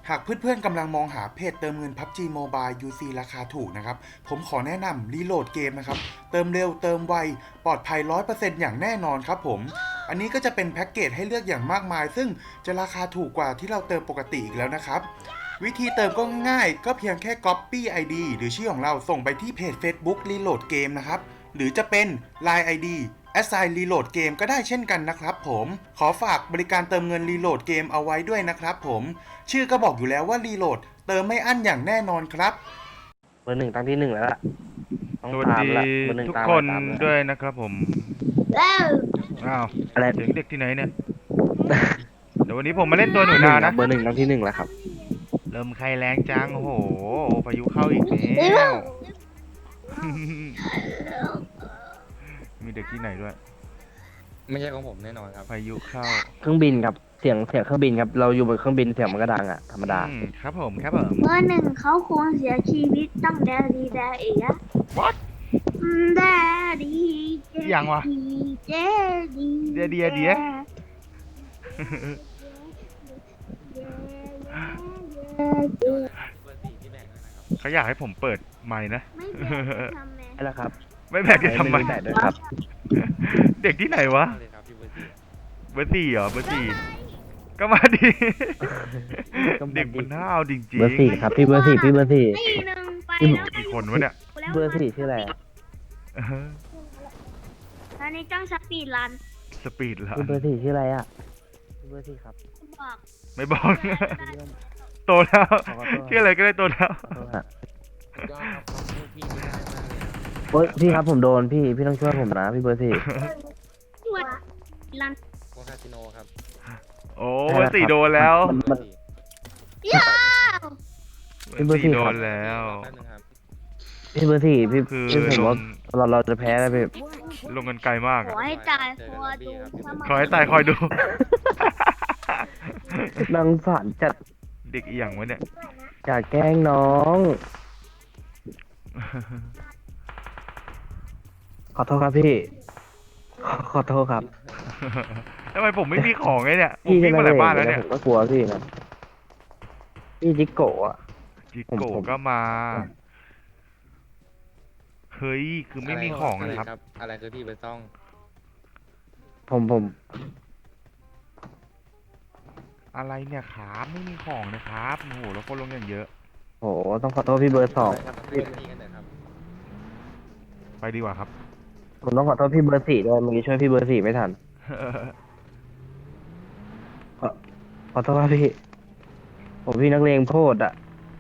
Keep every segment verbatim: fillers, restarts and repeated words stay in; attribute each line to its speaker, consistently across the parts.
Speaker 1: หากเพื่อนๆกำลังมองหาเพจเติมเงิน พับจี Mobile ยู ซี ราคาถูกนะครับผมขอแนะนำรีโหลดเกมนะครับเติมเร็วเติมไวปลอดภัย ร้อยเปอร์เซ็นต์ อย่างแน่นอนครับผมอันนี้ก็จะเป็นแพ็กเกจให้เลือกอย่างมากมาย ซึ่งจะราคาถูกกว่าที่เราเติมปกติอีกแล้วนะครับวิธีเติมก็ง่ายๆก็เพียงแค่ Copy ไอ ดี หรือชื่อของเราส่งไปที่เพจ Facebook Reload Game นะครับหรือจะเป็น ไลน์ ไอ ดี Assign Reload Game ก็ได้เช่นกันนะครับผมขอฝากบริการเติมเงิน Reload Game เอาไว้ด้วยนะครับผมชื่อก็บอกอยู่แล้วว่า Reload เติมไม่อั้นอย่างแน่นอนครับ
Speaker 2: เบอร์หนึ่งตั้งที่หนึ่งแล้วล่ะต้อง
Speaker 3: สวัส
Speaker 2: ตาม
Speaker 3: ดี
Speaker 2: ละเบอร์หนึ่ง
Speaker 3: ทุก
Speaker 2: ตาม
Speaker 3: คน
Speaker 2: ตามละ
Speaker 3: ด้วยนะครับผม
Speaker 4: แล้ว
Speaker 3: อ้าว
Speaker 2: อะไร
Speaker 3: เสียงเด็กที่ไหนเนี่ย เดี๋ยววันนี้ผมมาเล่นตัวหนูนานะ
Speaker 2: เบอร์หนึ่งตั้งที่หนึ่งแล้วครับ
Speaker 3: เริ่มใครแรงจัง โอ้โห พายุเข้าอีกแล้ว มีเด็กที่ไหนด้วย
Speaker 5: ไม่ใช่ของผมแน่นอนครับ
Speaker 3: พายุเข้า
Speaker 2: เครื่องบินครับเสียงเสียงเครื่องบินครับเราอยู่บนเครื่องบินเสียงมันก็ดังอ่ะธรรมดา
Speaker 3: อืมครับผมครับผม
Speaker 4: เมื่อหนึ่งเขาคงเสียชีวิตตั้งแต่ดีแดเอะ
Speaker 3: What
Speaker 4: แดดีเจ
Speaker 3: ยังวะ
Speaker 4: เจดี
Speaker 3: เดียเดียเดีย เขาอยากให้ผมเปิดไมค์นะ
Speaker 4: ไม่เป็นทำไม
Speaker 2: ใช่แล้วครับ
Speaker 3: ไม่แบกจะทำไม
Speaker 2: ไม่ได้ด้วยครับ
Speaker 3: เด็กที่ไหนวะ
Speaker 5: เลยครับพี่เบอร์สี่
Speaker 3: เบอร์สี่เหรอ เบอร์สี่ ก็มาดิ
Speaker 2: ก็มาดิ
Speaker 3: เด็กมันห้าวจริง
Speaker 2: เบอร์สี่ครับพี่เบอร์สี่พี่เบอร์สี่
Speaker 4: ตีหนึ่งไป
Speaker 2: อืม
Speaker 4: แล้ว
Speaker 3: ๆกี่คนวะเนี่ย
Speaker 2: เบอร์สี่ชื่ออะไรอะ
Speaker 3: เออ
Speaker 4: ตอนนี้ต้องสปีดรัน
Speaker 3: สปีดละ
Speaker 2: พี่เบอร์สี่ชื่ออะไรอ่ะพี่เบอร์สี่ครับ
Speaker 4: บอก
Speaker 3: ไม่บอก โตแล้ว
Speaker 2: ขอโทษ
Speaker 3: ชื่ออะไรก็ได้โตแล้ว
Speaker 2: ขอโทษฮะ
Speaker 5: ยอดครับความพูดพี่นี่ง่ายมากเลยครับ
Speaker 2: โอ๊ยพี่ครับผมโดนพี่พี่ต้องช่วยผมนะพี่เบอร์สี่
Speaker 4: ช่วยรัน
Speaker 5: โคคาสิโนครับ
Speaker 3: โอ้เบอร์สี่โดนแล้ว
Speaker 2: มันมัน
Speaker 4: ยาว
Speaker 3: เบอร์สี่โดนแล้ว
Speaker 5: แป๊บนึงครับ
Speaker 2: พี่เบอร์สี่พี่
Speaker 3: คือ
Speaker 2: พี่ผม
Speaker 3: ล
Speaker 2: ว่าง เราเราจะแพ้แล้วพี่
Speaker 3: ลงกันไกลมาก
Speaker 4: ข
Speaker 3: อะ
Speaker 4: อให้ตายคอดู
Speaker 3: ขอให้ตายคอยดู
Speaker 2: นางสารจัด
Speaker 3: เด็กอีหยังวะเนี่ย
Speaker 2: อย่าแกล้งน้อง ขอโทษครับพี่ ขอขอโทษครับ
Speaker 3: ทำไมผมไม่มีของไงเนี่ยผม
Speaker 2: พี่
Speaker 3: วิ่ง
Speaker 2: จะ
Speaker 3: มาหลายบ้านแล้วเนี่ย
Speaker 2: ผมก็กลัวพี่นะพี่จิโกะอะ
Speaker 3: จิ
Speaker 2: ผม
Speaker 3: โกะ
Speaker 2: ผม
Speaker 3: ก็มา เฮ้ย คือไม่มีของ
Speaker 5: อะไร
Speaker 3: นะครับ
Speaker 5: ครับ อะไรคือพี่เบอร์ซ่อง
Speaker 2: ผมผม
Speaker 3: อะไรเนี่ยครับไม่มีของนะครับโอ้โหแล้วคนลงอย่างเยอะ
Speaker 2: โหต้องขอโทษพี่เบอร์สอง
Speaker 5: ครับพี่พี่กันเถอะครับ
Speaker 3: ไปดีกว่าครับ
Speaker 2: ผมต้องขอโทษพี่เบอร์สี่ด้วยเมื่อกี้ช่วยพี่เบอร์สี่ไม่ทัน ขอขอโทษครับพี่ ผมพี่นักเลงโพดอะ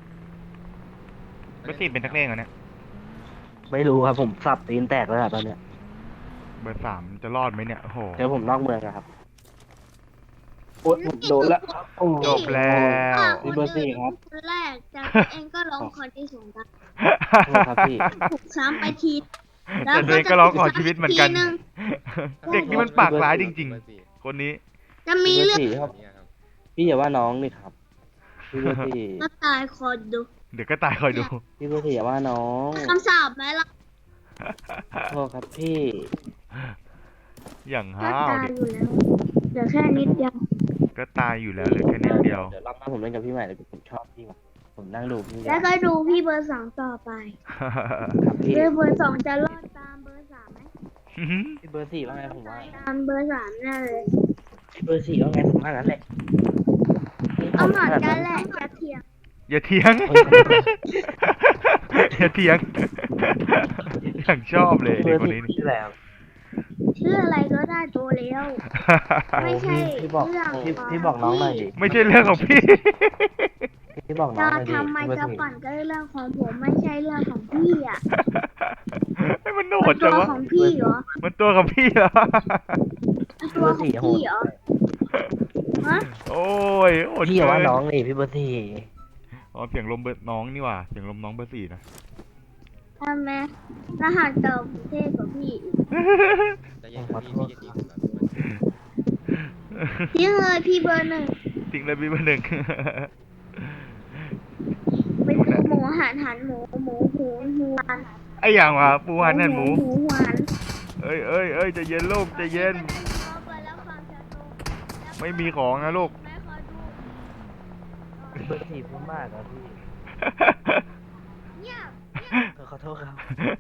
Speaker 3: เบอร์สี่เป็นนักเลงเหรอเนี่ย
Speaker 2: ไม่รู้ครับผมสับตีนแตกแล้วอะตอนเนี้ย
Speaker 3: เบอร์สามจะรอดไหมเนี่ยโอ้โห
Speaker 2: เจอผมนอกเมืองอะครับโอ๊ยผมโดนละโอ้
Speaker 3: จบแล้ว
Speaker 2: พี่เบอร์สี่ครับ
Speaker 4: คนแรกจากเองก็ร้องคนที่สองครับ
Speaker 2: โทษครับพี่
Speaker 4: ถูกซ้ำไปที
Speaker 3: แต่ตัวเองก็ร้องขอชีวิตเหมือนกัน
Speaker 4: ทีนึง
Speaker 3: เด็กนี่มันปากร้ายจริง
Speaker 5: เบอร์สี่
Speaker 3: ๆ คนนี้
Speaker 4: จะมีเรื่อง
Speaker 2: พี่เบอร์สี่ครับ
Speaker 5: เนี่ยครับ
Speaker 2: พี่อย่าว่าน้องนี่ครับ พี่เบอร์สี่
Speaker 4: ก็ตายคนดู
Speaker 3: เดี๋ยวก็ตายคอยดู
Speaker 2: พี่เบอร์สี่อย่าว่าน้อง
Speaker 4: คำสาปไหมล่ะ
Speaker 2: โทษครับพี่
Speaker 3: อย่าง
Speaker 4: ก็
Speaker 3: ห้าว
Speaker 4: ตาย
Speaker 3: เด็ก
Speaker 4: อยู่แล้วเหลือแค่นิดเดียว
Speaker 3: ก็ตายอยู่แล้วเหลือแค่นิดเดียว
Speaker 2: เดี๋ยวรอบหน้าผมเล่นกับพี่ใหม่เลยผมชอบพี่ว่ะผมนั่งดูพี่
Speaker 4: แล้วก็ดูพี่เบอร์สองต่อไป
Speaker 2: ครับพี่
Speaker 4: เบอร์เบอร์สองจะรอดตามเบอร์สามไหม
Speaker 2: พี่เบอร์สี่ว่าไงผมว่า
Speaker 4: ตามเบอร์สามแน่เลย
Speaker 2: พี่เบอร์สี่ว่าไงผมว่างั้นแหละ
Speaker 4: เอาหมอนกันแหละจะเถียง
Speaker 3: อย่าเถียง อย่าเถียง อย่างชอบเลย
Speaker 2: พี่เบ
Speaker 3: เด็
Speaker 2: อก ร์
Speaker 3: คน
Speaker 2: สี่
Speaker 3: นี้นี่
Speaker 2: ชื่ออะไรครับ
Speaker 4: ชื่ออะไรก็ได้โตแล้ว ไม่ใช่
Speaker 2: พี่บอก
Speaker 4: เรื่อง
Speaker 2: พี่
Speaker 4: ของ
Speaker 2: พี่บอกน้องหน่อยดิ
Speaker 3: ไม่ใช่เรื่องของพี่
Speaker 2: พี่บอกน้อง
Speaker 4: จะ
Speaker 2: หน่อยดิ
Speaker 4: ทำไม
Speaker 2: พี่เบอ
Speaker 4: จะ
Speaker 2: ร์สี่
Speaker 4: ปั่นก็เรื่องของผมไม่ใช่เรื่องของพี่อ่ะ
Speaker 3: ให้มันโห
Speaker 4: มั
Speaker 3: ด
Speaker 4: น
Speaker 3: จั
Speaker 4: ตั
Speaker 3: ง
Speaker 4: ว
Speaker 3: วะ
Speaker 4: ของพี่เหรอ
Speaker 3: มันตัวของพี่เหรอ
Speaker 4: มันตัวของพี่เหรอฮะ
Speaker 3: โอ้ยโหด
Speaker 2: พี่อย่าว่า
Speaker 3: เกิน
Speaker 2: น้องเลยพี่เบอร์สี่
Speaker 3: อ๋อเสียงลมเบอร์น้องนี่หว่าเสียงลมน้องเบอร์สี่นะ
Speaker 4: ทำไมรหัสเก่ากรุงเทพกว่าพี่อีก
Speaker 5: แต่ยังพี่พี่จะดีผมเหรอพี่เบอร์สี่
Speaker 4: ทิ้งเลยพี่เบอร์หนึ่ง
Speaker 3: จริงเลยพี่เบอร์หนึ่ง
Speaker 4: ไปดูหมูหันหันหมูหมูหูหูหวาน
Speaker 3: ไออย่างวะปูหันนั่นหมู
Speaker 4: หมูหวาน
Speaker 3: เอ้ยเอ้ยเอ้ยใจะเย็นลูกใจะเย็น ไม่มีของนะลูก
Speaker 4: แม่ขอดู
Speaker 2: บอร์สี่พูดมากครับพี่
Speaker 4: เงียบ
Speaker 2: ขอโทษครับ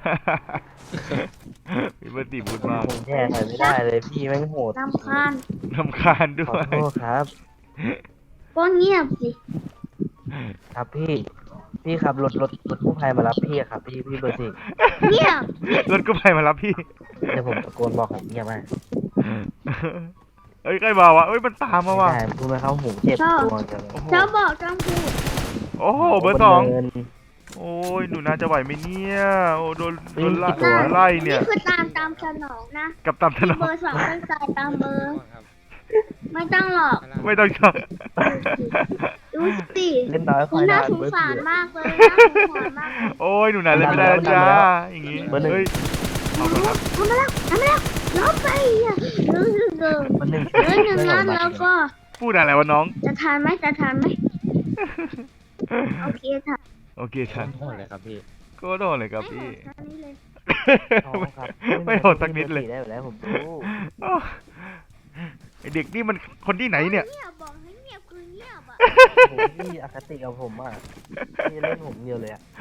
Speaker 3: พี่เบอร์สี่พูดมาก
Speaker 2: ผมแย่ใส่ไม่ได้เลยพี่แม่งโหด
Speaker 4: รำคาญ
Speaker 3: รำคาญด้
Speaker 2: ข
Speaker 3: ว
Speaker 2: อย โทษครับ
Speaker 4: ก็เงียบสิ
Speaker 2: ครับพี่ พี่ครับรถรถรถกู้ภัยมารับพี่อะครับพี่พี่เบอร์สี่
Speaker 4: เงียบ
Speaker 3: รถกู้ภัยมารับพี่
Speaker 2: เดี๋ยวผมตะโกนบอกผมเงียบมาก
Speaker 3: เอ้ยใกล้มาวะเอ้ยมันตามมา
Speaker 2: ไม่
Speaker 3: ว่ะ
Speaker 2: ได้พูดไหมครับหูเจ็บตัวจังเลย
Speaker 3: โอ้โห
Speaker 4: เจ้าบอกจำพูด
Speaker 3: โอ้โหเบอร์สอง
Speaker 2: เดิน
Speaker 3: โอ้ยหนูน่าจะไหวไหมเนี่ยโอ้โดน
Speaker 2: วิ่
Speaker 3: โด
Speaker 2: ง
Speaker 3: นไล่
Speaker 2: กี่ตัว
Speaker 3: ไล่เนี่ย
Speaker 4: นี่คือตามตามสนองนะ
Speaker 3: กับตามถน
Speaker 4: เบ
Speaker 3: น
Speaker 4: อร์สองเป็นสายตามเบอร์
Speaker 5: ครับ
Speaker 4: ไม่ต้องหรอก
Speaker 3: ไม่ต้องชอบ
Speaker 4: ดูสิ
Speaker 2: เล่นน้อยค
Speaker 4: คุ
Speaker 2: อ
Speaker 4: ณ
Speaker 2: ย
Speaker 4: น่า
Speaker 2: ดาน
Speaker 4: สง
Speaker 2: เบอร์
Speaker 4: สาร
Speaker 2: สี่
Speaker 4: มากเลยน่าสงสารมากเลย
Speaker 3: โอ้ยหนูน่าเล่นไม่ได้แล้วจ้าอย่างงี้
Speaker 2: เบอร์หนึ่ง
Speaker 3: เฮ้ยเอาไปครับ
Speaker 4: ทำมาแล้วทำมาแล้วล้อไปอ่ะรู้สึกเกิน
Speaker 2: มันหนึ่ง
Speaker 4: เรื่องหนึ่งนั้นแล้วก็
Speaker 3: พูดอะไรวะน้อง
Speaker 4: จะทานไหมจะทานไหมโอเคค่ะ
Speaker 3: โอเคฉัน
Speaker 5: โหดเลยครับพี่
Speaker 3: ก็โดนเลยครับ
Speaker 4: ไม่
Speaker 3: พี่
Speaker 4: หมดแค่นี้เลย
Speaker 2: ท้อครับ
Speaker 3: ไม่โหดสักนิดเลย
Speaker 2: ได้อยู่แล้วผมรู้
Speaker 3: อ้าวไอเด็กนี่มันคนที่ไหนเนี่ย
Speaker 4: เงียบบอกให้เงียบคือเงียบอ่ะ
Speaker 2: โอ้โหพี่อคติกับผมอ่ะพี่เล่นผมเดียวเลยอ่ะ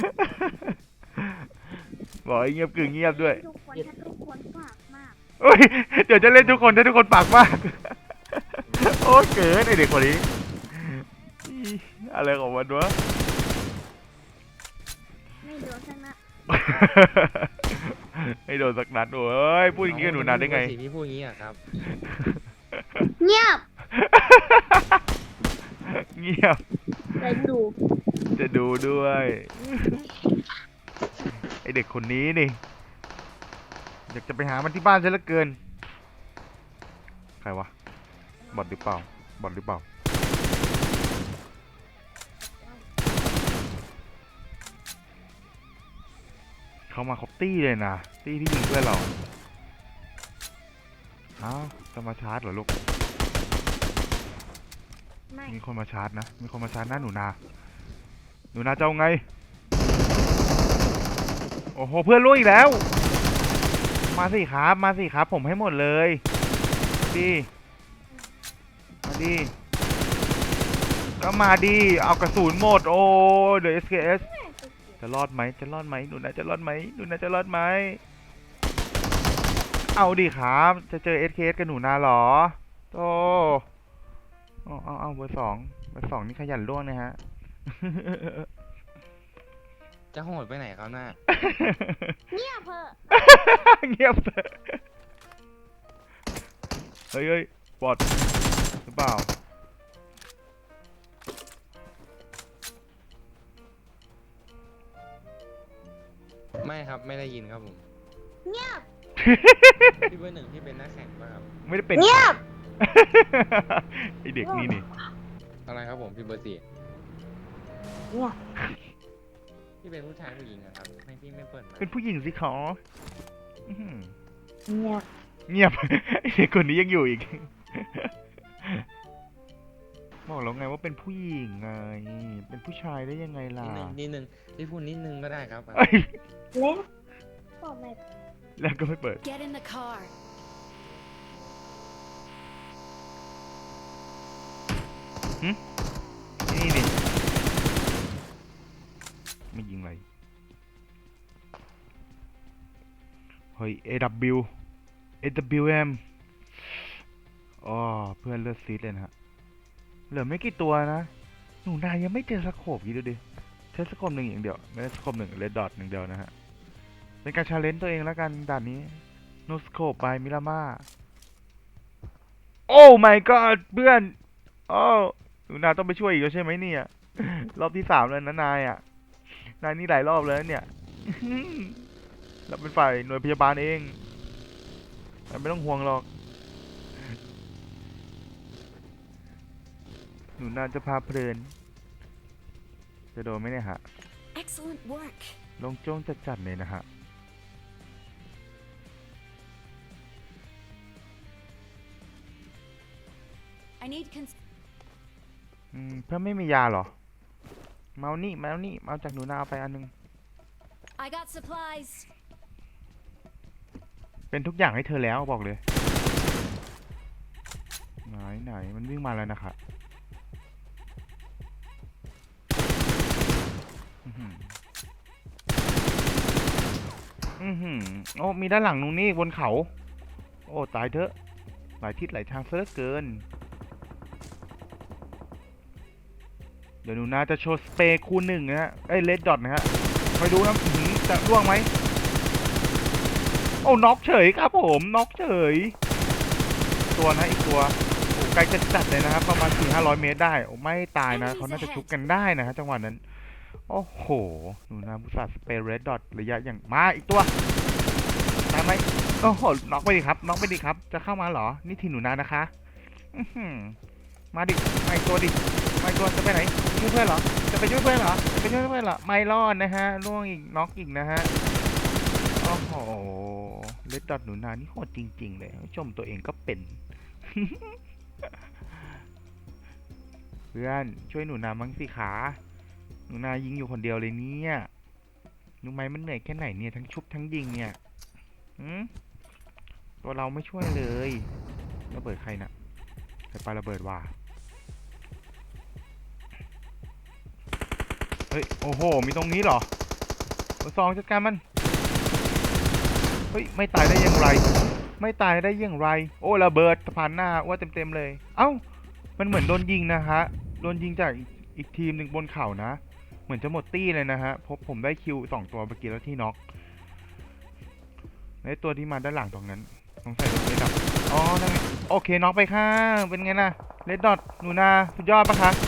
Speaker 3: บอกให้เงียบกึ่งเงียบด้วย
Speaker 4: ทุกคนถ้าทุกคนฝากมาก
Speaker 3: เฮ้ยเดี๋ยวจะเล่นทุกคนถ้าทุกคนปากมาก โอ้เกินไอเด็กคนนี้อีอะไรของมันวะ
Speaker 4: ไม่โดนชนะ
Speaker 3: ให้โดนสักนัดโอ้ยพูดอย่างนี้กับหนูนาได้ไง
Speaker 5: พี่พี่พูดอย่างนี้อะครับ
Speaker 4: เงียบ
Speaker 3: เงียบ
Speaker 4: เลยดู
Speaker 3: จะดูด้วยไอเด็กคนนี้นี่อยากจะไปหามันที่บ้านซะเหลือเกินใครวะบอทหรือเปล่าบอทหรือเปล่าเขามาครบตี้เลยนะตี้ที่ยิงเพื่อนเราอ้าวจะมาชาร์จเหรอลูก
Speaker 4: ไม่
Speaker 3: มีคนมาชาร์จนะมีคนมาชาร์จหน้าหนูนาหนูนาจะเอาไงโอ้โหเพื่อนรู้อีกแล้วมาสิครับมาสิครับผมให้หมดเลยดีมาดีก็มาดีเอากระสุนหมดโอ้เดี๋ยว เอส เค เอส จะรอดไหมจะรอดไหมหนูนาจะรอดไหมหนูนาจะรอดไหมเอาดิครับจะเจอ เอส เค เอส กับหนูนาเหรอโตเอาเอาเอาเบอร์สองเบอร์สองนี่ขยันล่วงนะฮะ
Speaker 5: จะโหดไปไหนครับน่า
Speaker 4: เงียบเพอะ
Speaker 3: เงียบเลยเฮ้ยเฮ้ยบอดหรือเปล่า
Speaker 5: ไม่ครับไม่ได้ยินครับผม
Speaker 4: เงียบ
Speaker 5: พี่เบอร์หนึ่งที่เป็นนักแข่งป่ะครับ
Speaker 3: ไม่ได้เป็น
Speaker 4: เงียบ
Speaker 3: ไอเด็กนี่นี่
Speaker 5: อะไรครับผมพี่เบอร์สี่
Speaker 4: เงียบ
Speaker 5: พี่เป็นผู้ชายผู้หญิงอะครับไม่พี่ไม่เปิดมา
Speaker 3: เป็นผู้หญิงสิขออื้อหือ
Speaker 4: เงียบ
Speaker 3: เงียบ ไอเด็กคนนี้ยังอยู่อีก บอกแล้วไงว่าเป็นผู้หญิงไง เป็นผู้ชายได้ยังไงล่ะ
Speaker 5: นิดนึงนิดนึงพี่พูดนิดนึงก็ได้ครับ
Speaker 3: เอ้ย
Speaker 4: เล่นบอกไม่
Speaker 3: แล้วก็ไม่เปิด
Speaker 6: Get in the car.
Speaker 3: นี่นี่ไม่ยิงอะไรเฮ้ย เอ ดับเบิลยู เอ ดับเบิลยู เอ็ม อ๋อเพื่อนเลือดซีดเลยนะฮะเหลือไม่กี่ตัวนะ หนูนายยังไม่เจอสโคปกี่ดูดิใช้สโคปหนึ่งอย่างเดียว ไม่ได้สโคปหนึ่งเลดดอทหนึ่งเดียวนะฮะ เป็นการชาเลนจ์ตัวเองแล้วกันด่านนี้ โนสโคปบายมิรามาโอ้ my god เพื่อนโอ้หนูนาต้องไปช่วยอีกแล้วใช่ไหมเนี่ย รอบที่สามแล้วนะนายอ่ะ นายนี่หลายรอบแล้วเนี่ย เราเป็นฝ่ายหน่วยพยาบาลเองนายไม่ต้องห่วงหรอก หนูนาจะพาเพลิน จะโดนไหมเนี่ยฮะ
Speaker 6: Excellent work.
Speaker 3: ลงโจ้งจัดๆเลยนะฮะ
Speaker 6: I need cons-
Speaker 3: อืมเพื่อนไม่มียาเหรอ เมานี่เมานี่เมาจากหนูนาเอาไปอันนึง
Speaker 6: I got supplies.
Speaker 3: เป็นทุกอย่างให้เธอแล้วบอกเลย ไหนไหนมันวิ่งมาแล้วนะครับหืออือหือโอ้มีด้านหลังนู้นนี่บนเขา โอ้ตายเถอะหลายทิศหลายทางซะเหลือเกิน เดี๋ยวหนูนาจะโชว์สเปรย์คูณหนึ่งนะฮะเอ้ยเลดดอทนะฮะคอยดูนะอื้อหือจะร่วงไหมโอ้น็อกเฉยครับผมน็อกเฉย ตัวนะอีกตัวโอ้ไกลจะจัดเลยนะครับประมาณสี่ห้าร้อยเมตรได้โอ้ไม่ตายนะเขาน่าจะชุบกันได้นะฮะจังหวะนั้นโอ้โหหนูนาบุษราสเปรย์เรดดอทระยะอย่างมาอีกตัวตายไหมโอ้โหน็อกไปดิครับน็อกไปดิครับจะเข้ามาเหรอนี่ทีหนูนานะคะอื้อหือมาดิมาอีกตัวดิมาอีกตัวจะไปไหนช่วยเพื่อนเหรอจะไปช่วยเพื่อนเหรอจะไปช่วยเพื่อนเหรอไม่รอดนะฮะล่วงอีกน็อกอีกนะฮะโอ้โหเรดดอทหนูนานี่โหดจริง ๆ เลยชมตัวเองก็เป็น เพื่อนช่วยหนูนามั้งสิขาหนูนายิงอยู่คนเดียวเลยเนี่ยรู้ไหมมันเหนื่อยแค่ไหนเนี่ยทั้งชุบทั้งยิงเนี่ยหืมตัวเราไม่ช่วยเลยระเบิดใครน่ะใครปาระเบิดว่ะเฮ้ยโอ้โหมีตรงนี้เหรอเบอร์สองจัดการมันเฮ้ยไม่ตายได้อย่างไรไม่ตายได้อย่างไรโอ้ระเบิดผ่านหน้าว่าเต็มๆเลยเอ้ามันเหมือนโดนยิงนะฮะโดนยิงจากอีกทีมหนึ่งบนเขานะเหมือนจะหมดตี้เลยนะฮะพบผมได้คิวสองตัวเมื่อกี้แล้วที่น็อกในตัวที่มาด้านหลังตรงนั้นสงสัยโดนเลดดอทอ๋อนั่นไงโอเคน็อกไปข้างเป็นไงนะเลดดอทหนูนาสุดยอดปะคะ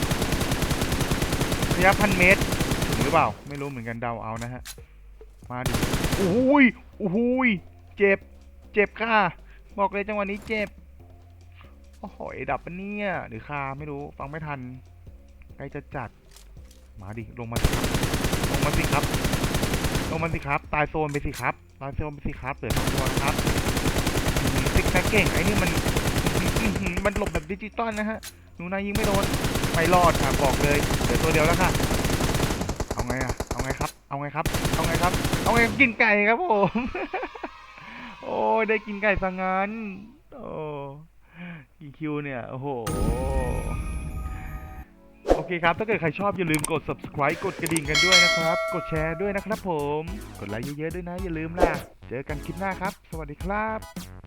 Speaker 3: ระยะพันเมตรถึงหรือเปล่าไม่รู้เหมือนกันเดาเอานะฮะมาดิโอ้ยโอ้ยเจ็บเจ็บค่ะบอกเลยจังหวะนี้เจ็บโอ้โหดับปะเนี่ยหรือคาไม่รู้ฟังไม่ทันใกล้จะจัดมาดิลงมาสิครับลงมาสิครับลงมาสิครับตายโซนไปสิครับตายโซนไปสิครับเหลือสองตัวนะครับซิกแซกเก่งไอ้นี่มันมันหลบแบบดิจิตอลนะฮะหนูนายิงไม่โดนไม่รอดค่ะบอกเลยเหลือตัวเดียวแล้วค่ะเอาไงอะเอาไงครับเอาไงครับเอาไงครับเอาไงกินไก่ครับผม โอ้ยได้กินไก่สังงั้นโอ้กี่คิวเนี่ยโอ้โหโอเคครับถ้าเกิดใครชอบอย่าลืมกด subscribe กดกระดิ่งกันด้วยนะครับกดแชร์ด้วยนะครับผมกดไลค์เยอะๆด้วยนะอย่าลืมล่ะเจอกันคลิปหน้าครับสวัสดีครับ